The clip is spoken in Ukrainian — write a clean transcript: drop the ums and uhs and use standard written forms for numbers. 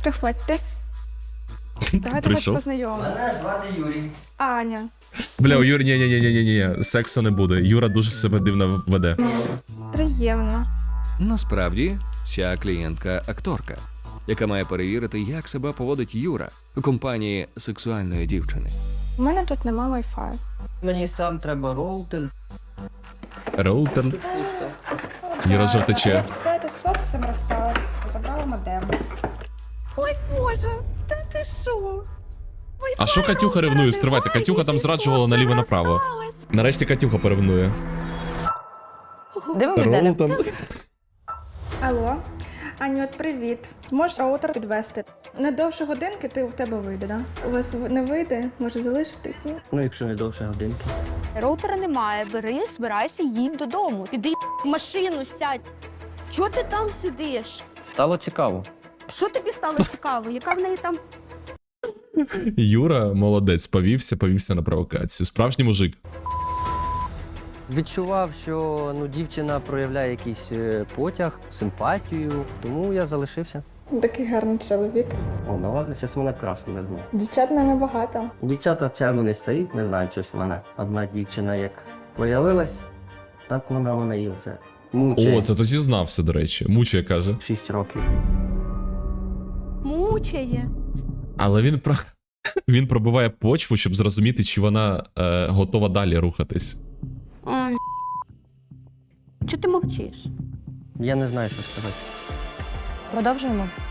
Приходьте. Давайте хоч Прийшов. познайомимо. Мене звати Юрій. Аня. Бля, у Юрі, ні, сексу не буде. Юра дуже себе дивно веде. Приємно. Насправді, ця клієнтка акторка, яка має перевірити, як себе поводить Юра у компанії сексуальної дівчини. У мене тут нема Wi-Fi. Мені сам треба роутер. Роутер. Юра жовтиче. Я б сказати, з хлопцем розсталась, забрала модем. Ой, Боже, та ти що? А що Катюха ревнує? Стривайте, Катюха там зраджувала наліво-направо. Нарешті Катюха поревнує. Дивимось далі. Роутер. Алло, Аню, от привіт. Зможеш роутер підвести? Не довше годинки ти в тебе вийде, да? У вас не вийде, може залишитися? Ну, якщо не довше годинки. Роутера немає. Бери, збирайся, їдь додому. Піди в машину, сядь. Чого ти там сидиш? Стало цікаво. Що тобі стало цікаво? Яка в неї там? Юра молодець, повівся на провокацію. Справжній мужик. Відчував, що дівчина проявляє якийсь потяг, симпатію, тому я залишився. Такий гарний чоловік. О, ну ладно, зараз мене красно не знаю. Дівчат не багато. Дівчата в чергу не стоїть, не знаю, щось в мене. Одна дівчина як появилась, так вона мене і оце мучає. О, це то зізнався, до речі. Мучає, каже. 6 років. Мучає. Але він пробиває почву, щоб зрозуміти, чи вона готова далі рухатись. Ой. Чого ти мовчиш? Я не знаю, що сказати. Продовжуємо.